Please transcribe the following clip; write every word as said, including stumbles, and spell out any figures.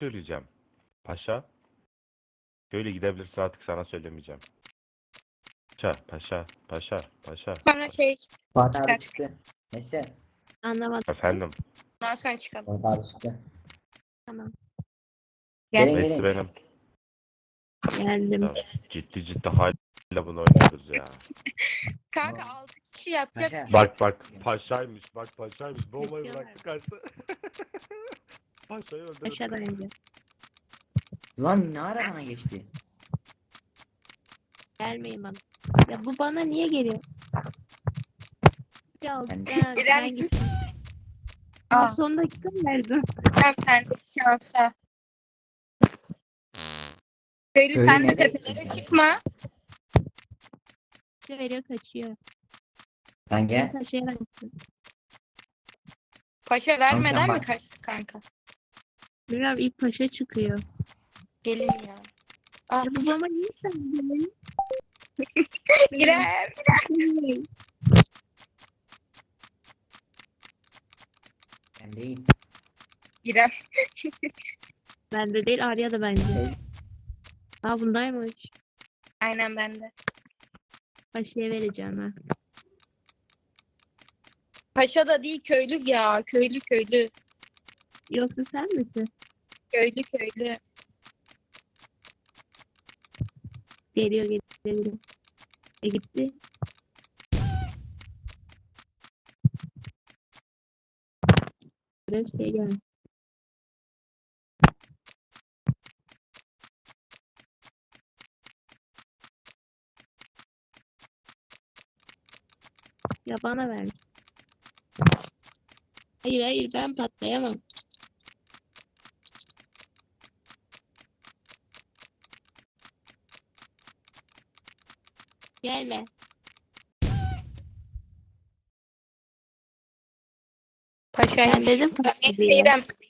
söyleyeceğim. Paşa. Böyle gidebilirsin artık sana söylemeyeceğim. Paşa, paşa, paşa, paşa. Sonra şey Fatih abi Çıkar. çıktı. Neyse. Anlamadım. Efendim. ondan sonra çıkalım. Fatih abi çıktı. Tamam. Gel. Gelin Neyse gelin. benim. Geldim. Ya, ciddi ciddi hala bunu oynuyoruz ya. Kanka Tamam. altı kişi yapacak. Paşa. Bak bak paşaymış bak paşaymış. Bombayı Yapıyorlar. bıraktı kaçtı. Paşayı öldürdü. Aşağıdan önce. Lan ne ara bana geçti? Gelmeyin bana. Ya bu bana niye geliyor? Ya Ben- ben, İrem ben git. gittim. Aa, Aa, son dakika mı verdin? tamam sen de şansa. Köylü Köylü sen de nereye tepelere gitti? çıkma. Bir veriyor kaçıyor. Lan Ben gel. taşıyarak. Paşa vermeden mi bak. kaçtı kanka? Bilmiyorum ilk paşa çıkıyor. Gelin ya. Aa, Ya bu bana niye sen gelin? İrem. Ben değil. İrem. Bende değil Arya da bence. Aa bundaymış. Aynen bende. Paşa'ya vereceğim ha. Paşa da değil köylü ya. Köylü köylü. Yoksa sen misin? Köylü köylü. Geliyor geliyor geliyor. E gitti. Böyle şey geldi. Ya bana ver. Hayır hayır ben patlayamam. Gelme. Paşa. Ben dedim Neyse patlayacağım. İrem.